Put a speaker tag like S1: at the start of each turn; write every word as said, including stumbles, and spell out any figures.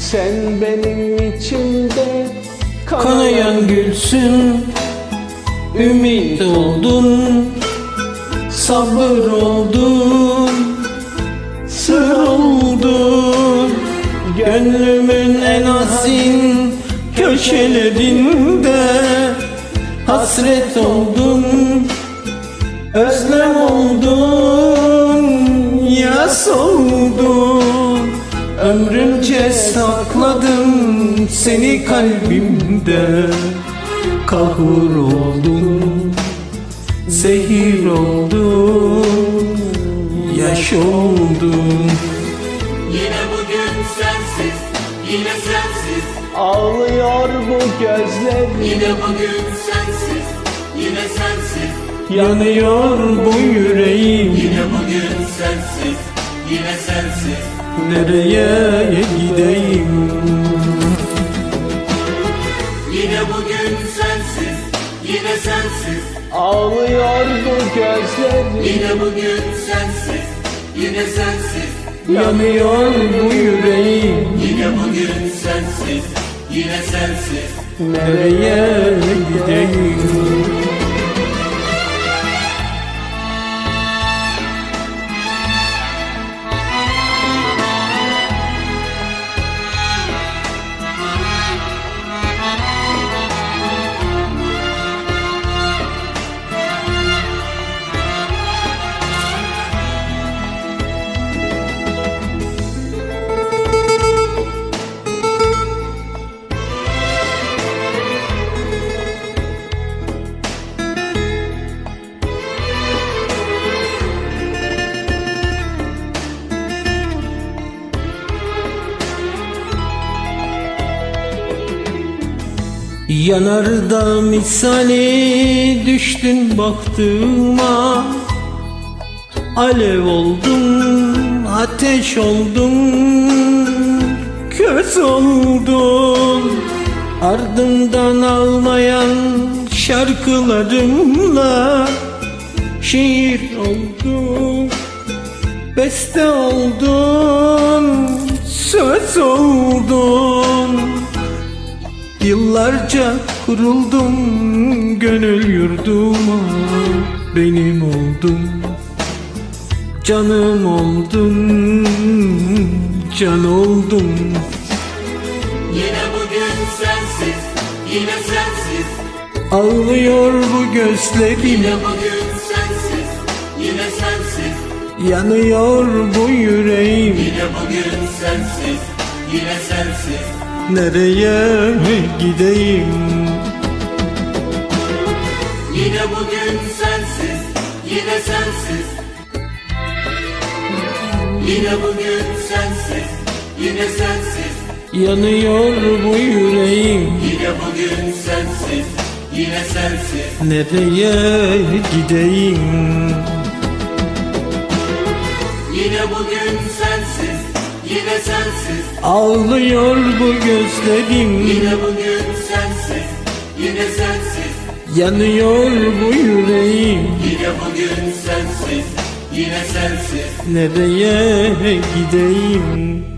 S1: Sen benim içimde
S2: Kanayan gülsün, ümit oldun, sabır oldun, sır oldun. Gönlümün en asin köşelerinde hasret oldun, özlem oldun, yas oldun. Ömrümce sakladım seni kalbimde. Kahur oldun, zehir oldun, yaş oldun.
S3: Yine bugün sensiz, yine sensiz.
S1: ağlıyor bu gözlerim.
S3: Yine bugün sensiz, yine sensiz.
S2: Yanıyor bu yüreğim.
S3: Yine bugün sensiz, yine sensiz.
S2: Nereye gideyim?
S3: Yine bugün sensiz, yine sensiz.
S1: Ağlıyor bu gözlerim.
S3: Yine bugün sensiz, yine sensiz.
S2: Yanıyor bu yüreğim.
S3: Yine bugün sensiz, yine sensiz.
S2: Nereye gideyim? Yanarda misali düştün baktığıma. Alev oldun, ateş oldun, köz oldun. Ardından ağlayan şarkılarımla şiir oldun, beste oldun, söz oldun. Yıllarca kuruldum gönül yurduma, benim oldun, canım oldun, can oldun.
S3: Yine bugün sensiz, yine sensiz.
S2: Ağlıyor bu gözlerim,
S3: Yine bugün sensiz, yine sensiz.
S2: yanıyor bu yüreğim.
S3: Yine bugün sensiz, yine sensiz.
S2: Nereye gideyim?
S3: Yine bugün sensiz, yine sensiz. Yine bugün sensiz, yine sensiz.
S2: Yanıyor bu yüreğim.
S3: Yine bugün sensiz, yine sensiz.
S2: Nereye gideyim?
S3: Yine bugün sensiz, yine sensiz.
S2: Ağlıyor bu gözlerim,
S3: Yine bugün sensiz, yine sensiz.
S2: yanıyor bu yüreğim.
S3: Yine bugün sensiz, yine sensiz.
S2: Nereye gideyim?